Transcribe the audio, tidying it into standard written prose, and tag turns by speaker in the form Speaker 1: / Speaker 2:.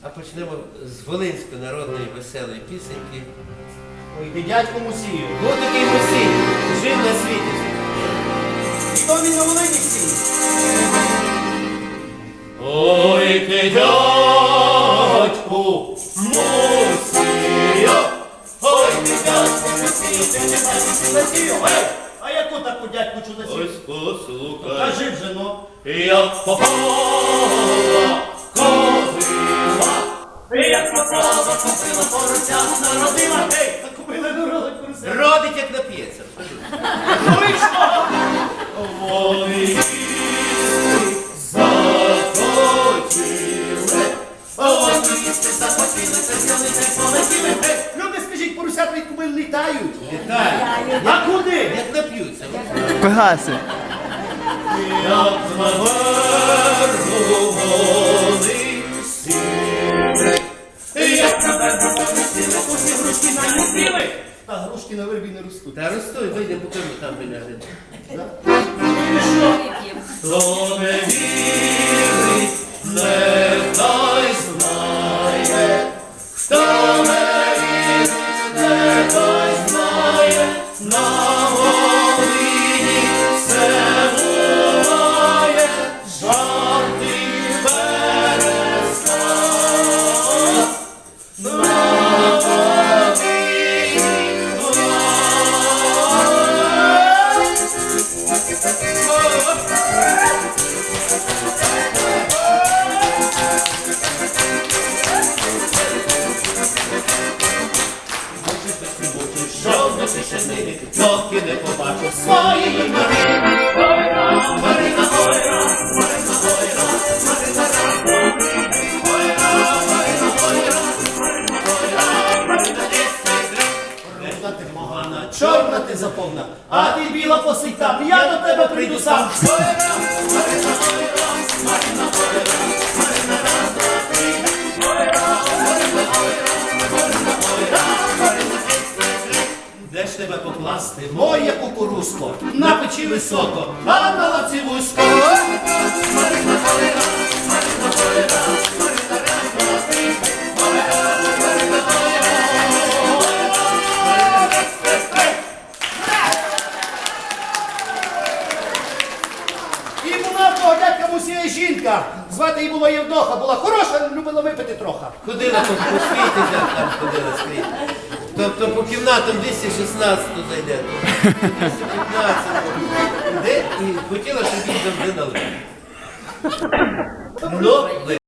Speaker 1: А почнемо з волинської народної веселої пісеньки.
Speaker 2: Ой, ти дядько Мусію.
Speaker 1: Був такий Мусій, жив на світі.
Speaker 2: Хто він на Волині всі?
Speaker 3: Ой, ти дядьку Мусію, ой, ти дядьку Мусію, ти не бачиш Мусію, ой!
Speaker 2: А яку таку дядьку чудосію?
Speaker 3: Ось послухай,
Speaker 2: Кажи вже, ну.
Speaker 3: як попала кобила, як попала кобила, поросят народила, гей!
Speaker 2: Та купили народу курси.
Speaker 1: Родить, як нап'ється.
Speaker 2: Вийшло!
Speaker 3: Вони захотіли, вони захотіли, це взяли, це полетіли, гей!
Speaker 2: Люди, скажіть, поросята від купили літають.
Speaker 1: Вітаю.
Speaker 2: А куди?
Speaker 1: Як нап'ються.
Speaker 4: Пегаси.
Speaker 3: Як на верху вони сіли, як на верху вони сіли, усі грушки на них сіли.
Speaker 2: Та грушки на вербі не ростуть.
Speaker 1: Та ростуй, вийде по кому там виляже.
Speaker 3: Хто не вірить, нехай знає. Хто не вірить, нехай знає. На Волині все буває, жарти перестань. На Волині жовтий шишини, доки не побачу своєї Марини. Ой-ра, Марина, ой-ра, Марина, ой-ра, Марина, ра, ой-ра, Марина, ой-ра, Марина, ой-ра, Марина,
Speaker 2: Та ти погана, чорна ти заповна, а ти біла посить там, я до тебе прийду сам.
Speaker 3: ой-ра, Марина, ой-ра, Марина, ой-ра, Марина, раз, два, три. Ой-ра, Марина, ой-ра, Марина, ой-ра, Марина, де ж тебе покласти, моє кукурузко? На печі високо, а на лавці вузько. Марина, ой-ра, Марина, ой-ра, Марина, раз, два, три. Ой-ра, Марина, ой-ра, Марина, раз, два, три.
Speaker 2: І була в того дядька Мусія жінка. Звати її було Євдоха, була хороша, любила випити трохи.
Speaker 1: Ходила по світі, там ходила скрізь. Тобто по кімнатам 216 зайде. 215. Де? І хотіла, щоб він завжди налив. Ну,